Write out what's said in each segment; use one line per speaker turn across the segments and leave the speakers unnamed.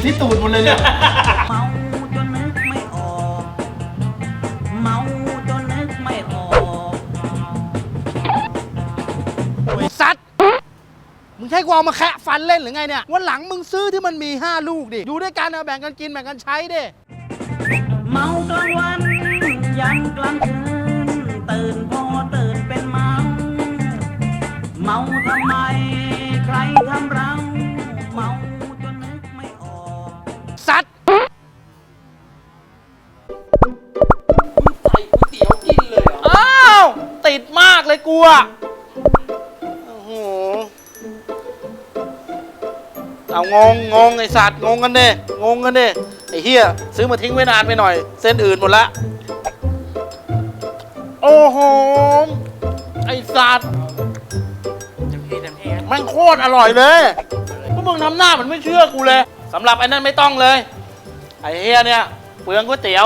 ที่ตูดหมดเลยเนี่ย
เมาจนนึกไม่ออกเมาจนนึกไม่ออก
ไอ้สัตว์มึงใช้กูเอามาแคะฟันเล่นหรือไงเนี่ยวันหลังมึงซื้อที่มันมี5ลูกดิอยู่ด้วยกันเอาแบ่งกันกินแบ่งกันใช้ดิ
เมากลางวันยันกลางคืนตื่นพอตื่นเป็นเมาเมาทำไมใครทำเราเมาจนนึกไม่ออก
สัตว์
ใส่ก๋วยเตี๋ยวกินเลยเหรอ
อ้าวติดมากเลยกูอะโอ้โหเอางงไอ้สัตว์งงกันดิไอ้เหี้ยซื้อมาทิ้งไว้นานไปหน่อยเส้นอื่นหมดละโอ้โหไอ้สัตว์แม่งโคตรอร่อยเลยพวกมึงทำหน้ามันไม่เชื่อกูเลยสำหรับไอ้นั่นไม่ต้องเลยไอ้เหี้ยเนี่ยเปลืองก๋วยเตี๋ยว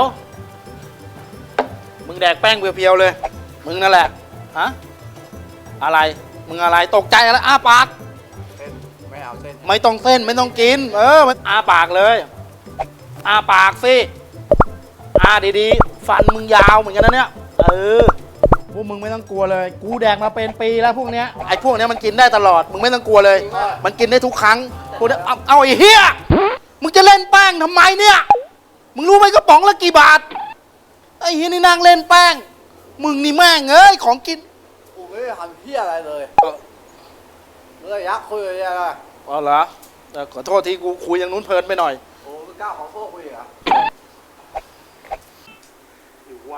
มึงแดกแป้งเพียวๆเลยมึงนั่นแหละฮะอะไรมึงอะไรตกใจอะไรอ้าปากไม่เอาเส้นไม่ต้องเส้นไม่ต้องกินอ้าปากเลยอ้าปากสิอ้าดีๆฟันมึงยาวเหมือนกันนะเนี่ยพวกมึงไม่ต้องกลัวเลยกูแดกมาเป็นปีแล้วพวกเนี้ยไอ้พวกเนี้ยมันกินได้ตลอดมึงไม่ต้องกลัวเลยมันกินได้ทุกครั้งพวกเนี้ยเอาไอ้เหี้ยมึงจะเล่นแป้งทำไมเนี่ยมึงรู้ไหมกระป๋องละกี่บาทไอ้เหี้ยนี่นั่งเล่นแป้งมึงนี่แม่งเอ้ยของกิน
กูไม่ได้ทำเหี้ยอะไรเลยมึงก็ยักคุยอะไรกัน
อ๋อเหรอขอโทษที่กูคุยอย่างนู้นเพลินไปหน่อย
โอ้มึงกล้าขอโทษกูอีกเหรอ
อยู่วะ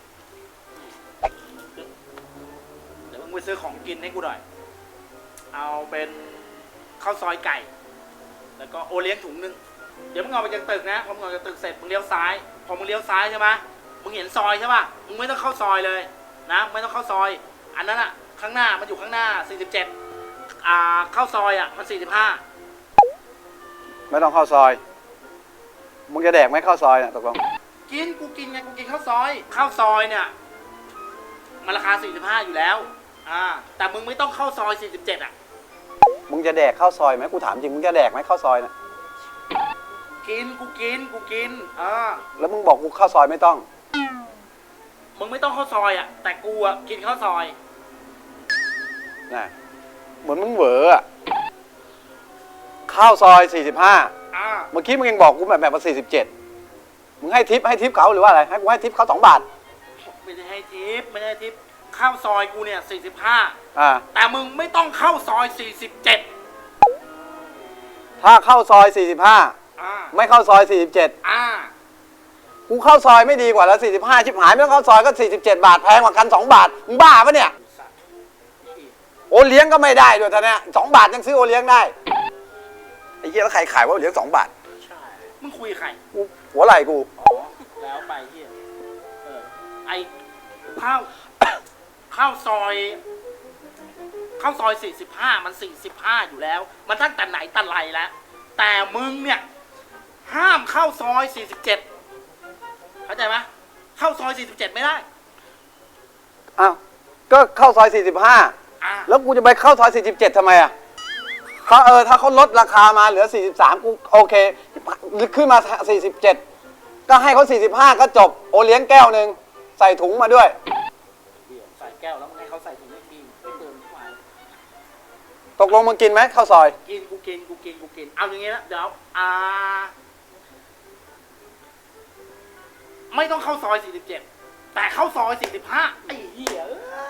เดี๋ยวมึงไปซื้อของกินให้กูหน่อยเอาเป็นข้าวซอยไก่แล้วก็โอเลี้ยงถุงนึงเดี๋ยวมึงเอาไปจากตึกนะพอมึงเอาจากตึกเสร็จมึงเลี้ยวซ้ายพอมึงเลี้ยวซ้ายใช่ไหมมึงเห็นซอยใช่ป่ะมึงไม่ต้องเข้าซอยเลยนะไม่ต้องเข้าซอยอันนั้นอะข้างหน้ามันอยู่ข้างหน้า47เข้าซอยอะมัน45
ไม่ต้องเข้าซอยมึงจะแดกไหมเข้าซอยเนี่ยตกลง
กูกินไงกูกินข้าวซอยเนี่ยมันราคา45อยู่แล้วแต่มึงไม่ต้องเข้าซอย47อะ
มึงจะแดกเข้าซอยไหมกูถามจริงมึงจะแดกไหมเข้าซอยเนี่ย
กูกิน
แล้วมึงบอกกูเข้าซอยไม่ต้อง
มึงไม่ต้องเข้าซอยอ่ะแต่กูอ่ะกินข้าวซอย
น่ะเหมือนมึงเหวออะข้าวซอย45เมื่อกี้มึงยังบอกกูแบบว่า47มึงให้ทิปเขาหรือว่าอะไรให้กูให้ทิปเขา2 บาท
ไม่ได้ให้ทิปข้าวซอยกูเนี่ย45แต่มึงไม่ต้องเข้าซอย47
ถ้าเข้าซอย45ไม่เข้าซอย47กูเข้าซอยไม่ดีกว่าแล้ว45ชิบหายไม่ต้องเข้าซอยก็47 บาทแพงกว่ากัน2 บาทมึงบ้าปะเนี่ยโอเลี้ยงก็ไม่ได้ด้วยท่านเนี่ย2 บาทยังซื้อโอเลี้ยงได้ไอ้เหี้ยแล้วใครขายว่าโอเลี้ยง2 บาท
ใช่มึงคุยใคร
กูหัวไหล่กู
แล้วไปเหี้ยไอ้ข้าวซอย45มัน45อยู่แล้วมันตั้งแต่ไหนแต่ไรแล้วแต่มึงเนี่ยห้ามเข้าซอย47เข้าใจไหมเข้าซอย47ไม่ได้
อ้าวก็เข้าซอย45แล้วกูจะไปเข้าซอย47ทำไมอ่ะถ้าเขาลดราคามาเหลือ43กูโอเคขึ้นมา47ก็ให้เขา45ก็จบโอเลี้ยงแก้วนึงใส่ถุงมาด้วย
ใส่แก้วแล้วมึงให้เขาใส่ถุงไม่กินไม่เติมทุกวัน
ตกลงมึงกินไหมข้าวซอย
กินกูกินเอาอย่างงี้นะเดี๋ยวไม่ต้องเข้าซอย47แต่เข้าซอย45ไอ้เหี้ย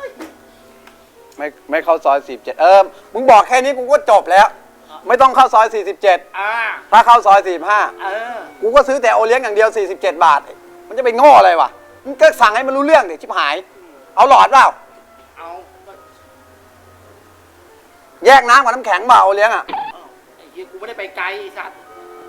ไม่เข้าซอย47มึงบอกแค่นี้กูก็จบแล้วไม่ต้องเข้าซอย47ถ้าเข้าซอย45กูก็ซื้อแต่โอเลี้ยงอย่างเดียว47 บาทมันจะไปโง่อะไรวะมึงก็สั่งให้มันรู้เรื่องดิชิบหายเอาหลอดเปล่า
เอา
แยกน้ำกับน้ำแข็งเปล่าโอเลี้ยงอ่ะ
ไอ้เหี้ยกูไม่ได้ไปไกลสัตว์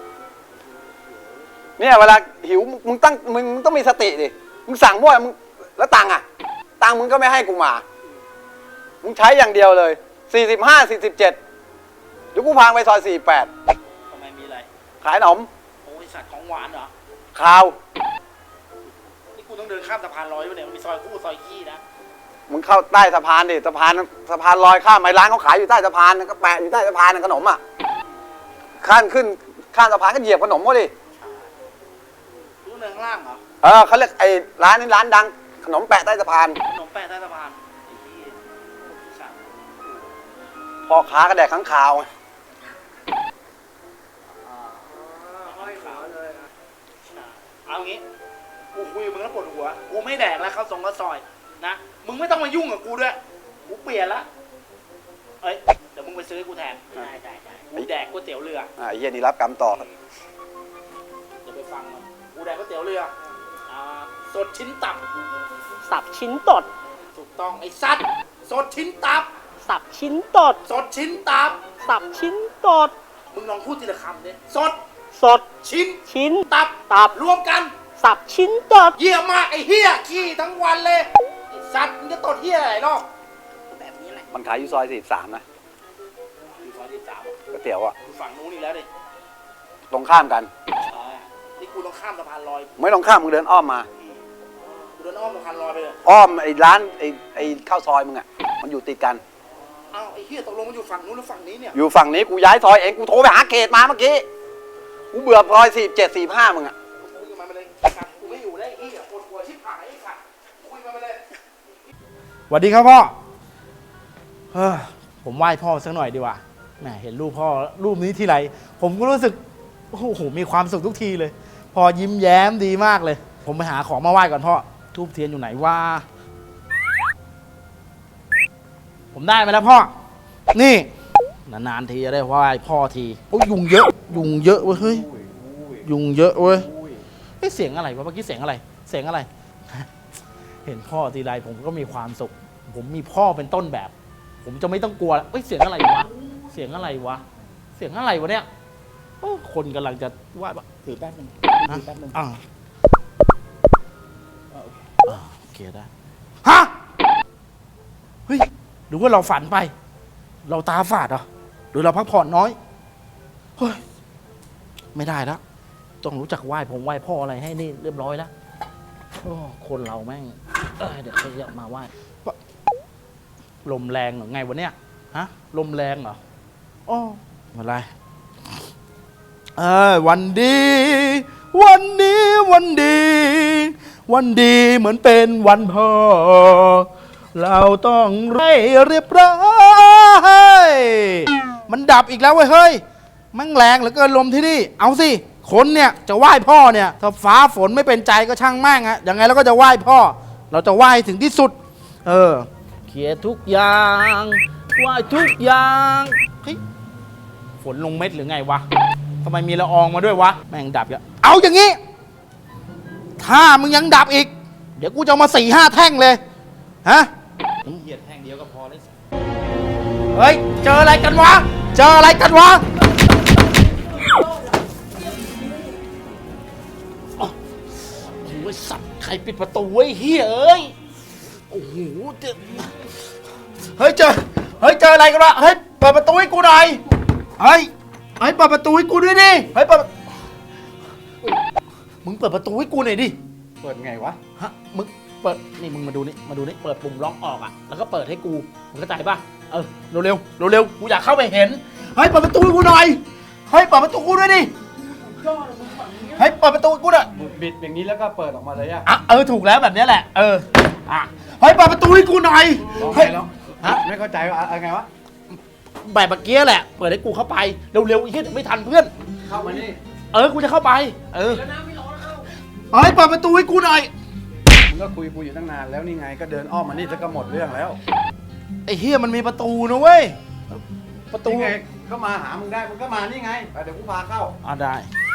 เนี่ยเวลาหิวมึงต้องมีสติดิมึงสั่งมั่วมึงแล้วตังค์มึงก็ไม่ให้กูมามึงใช้อย่างเดียวเลย45 47เดี๋ยวกูพาไปซอย48
ทำไมมีอะไร
ขายขนม
โอ้ยสัตว์ของหวานเหรอ
ข้าว
นี่กูต้องเดินข้ามสะพานลอยด้วยเนี่ยมันมีซอยคู่ซอยขี้นะ
มึงเข้าใต้สะพานดิสะพานลอยข้ามไปร้านเขาขายอยู่ใต้สะพานก็แปะอยู่ใต้สะพานขนมข้ามขึ้นข้ามสะพานก็เหยียบขนมเขาดิ
รู้เนินข้างล่างเหรอ
เขาเรียกไอ้ร้านนี้ร้านดัง ขนมแปะใต้สะพาน
ขนมแปะใต้สะพานไอ้เหี้ยสัตว์
พ่อค้ากระแดกข้างคาวไง
ห้อยขาวเลยอ่ะเอางี้กูคุยกับมึงแล้วปวดหัวกูไม่แดกแล้วข้าวซอยนะมึงไม่ต้องมายุ่งกับกูด้วยกูเปลี่ยนละเอ้ยเดี๋ยวมึงไปซื้อให้กูแทนได้กูแดกก๋วยเตี๋ยวเรือ
ไอ้เหี้ยนี่รับกรรมต่อ
เดี๋ยวไปฟังมันกูแดกก๋วยเตี๋ยวเรือสดชิ้นตับ
สับชิ้นตด
ถูกต้องไอ้สัตว์สดชิ้นตับ
สับชิ้นตด
สดชิ้นตับ
สับชิ้นตด
มึงลองพูดทีละคำดิสด
สด
ชิ้น
ชิ้น
ตับ
ตับ
รวมกัน
สับชิ้นตด
เหี้ยมากไอ้เหี้ยขี้ทั้งวันเลยไอ้สัตว์มึงจะตดเหี้ยอะไรหรอกแบบนี้แหละ
มันขายอยู่ซอย43นะ
อยู่ซอยที่สาม
ก๋วยเตี๋ยวอ่ะ
อยู่ฝั่งนู้นอีกแล้วดิ
ตรงข้ามกัน
นี่กูต้องข้ามสะพานลอย
ไม่ต้องข้ามมึงเดินอ้อมมา
กูเดินอ้อมสะพานลอยไปเลย
อ้อมไอ้ร้านไอ้ข้าวซอยมึงอ่ะ มันอยู่ติดกัน
อ้าวไอ้เหี้ยตกลงมันอยู่ฝั่งนู้นหรือฝั่งนี้เนี่ย
อยู่ฝั่งนี้กูย้ายซอยเอง กูโทรไปหาเขตมาเมื่อกี้ กูเบื่อซอย47 45มึงอ่ะ
คุยกับมันไปเลยสัตว์กูไม่อยู่ได้ไอ้เหี้ยปวดหัวชิบหายไอ้สัตว์คุยกับมันไปเลย
สวัสดีครับพ่อผมไหว้พ่อสักหน่อยดีกว่าแหมเห็นรูปพ่อรูปนี้ทีไรผมก็รู้สึกโอ้โหมีความสุขทุกทีเลยพ่อยิ้มแย้มดีมากเลย ผมไปหาของมาไหว้ก่อนพ่อทูบเทียนอยู่ไหนว่าผมได้มาแล้วพ่อนี่นานๆทีจะได้ไหว้พ่อทีโอ้ยยุงเยอะยุงเยอะเว้ยเฮ้ยยุงเยอะเว้ยเสียงอะไรวะเมื่อกี้เสียงอะไรเสียงอะไร เห็นพ่อทีไรผมก็มีความสุขผมมีพ่อเป็นต้นแบบ ผมจะไม่ต้องกลัวแล้วเสียงอะไรวะเสียงอะไรวะเสียงอะไรวะเนี่ยโอ้คนกำลังจะว่าถือแป๊บนึงถือแป๊บนึงโอเคได้ฮะเฮ้ยหรือว่าเราฝันไป เราตาฝาดเหรอหรือเราพักผ่อนน้อยเฮ้ยไม่ได้แล้วต้องรู้จักไหว้ผมไหว้พ่ออะไรให้นี่เรียบร้อยแล้วโอ้คนเราแม่งเดี๋ยวเขาจะมาไหว้ลมแรงหรือไงวะเนี่ยฮะลมแรงเหรอโอ้อะไรวันดีวันนี้วันดี วันดีเหมือนเป็นวันพ่อเราต้องให้เรียบร้อยมันดับอีกแล้วเว้ยเฮ้ยมั่งแรงเหลือเกินลมที่นี่เอาสิคนเนี่ยจะไหว้พ่อเนี่ยถ้าฟ้าฝนไม่เป็นใจก็ช่างแม่งอะยังไงเราก็จะไหว้พ่อเราจะไหว้ถึงที่สุดเคลียร์ทุกอย่างไหว้ทุกอย่างเฮ้ยฝนลงเม็ดหรือไงวะทำไมมีละอองมาด้วยวะแม่งดับอีกเอาอย่างงี้ถ้ามึงยังดับอีกเดี๋ยวกูจะมา4-5 แท่งเลยฮะเหยียดแท่งเดียวก็พอเลยเฮ้ยเจออะไรกันวะเจออะไรกันวะโอ้ยสัตว์ใครปิดประตูไว้เฮ้ยเอ้ยโอ้โหเฮ้ยเจออะไรกันวะเฮ้ยเปิดประตูให้กูหน่อยเฮ้ยเปิดประตูให้กูด้วยดิเฮ้ยมึงเปิดประตูให้กูหน่อยดิเปิดไงวะฮะมึงเปิดนี่มึงมาดูนี่เปิดปุ่มล็อกออกอ่ะแล้วก็เปิดให้กูมึงเข้าใจป่ะเร็วกูอยากเข้าไปเห็นเฮ้ยเปิดประตูให้กูหน่อยเฮ้ยเปิดประตูกูด้วยดิเฮ้ยเปิดประตูกูหน่อย
บิดอย่างนี้แล้วก็เปิดออกมาเลยอะ
ถูกแล้วแบบนี้แหละเฮ้ยเปิดประตูให้กูหน่อยเฮ้ยฮะ
ไม่เข้าใจว่าอะไรไงวะ
แบบเมื่อกี้แหละเปิดให้กูเข้าไปเร็วๆอีกทีไม่ทันเพื่อน
เข้ามานี่
กูจะเข้าไปเฮ้ยเปิดประตูให้กูหน่อย
มึงก็คุยกูอยู่ตั้งนานแล้วนี่ไงก็เดินอ้อมมานี่ก็หมดเรื่องแล้ว
ไอ้เฮียมันมีประตูนะเว้ยประตู
นี่ไงก็มาหามึงได้มึงก็มานี่ไงเดี๋ยวกูพาเข้า
ได้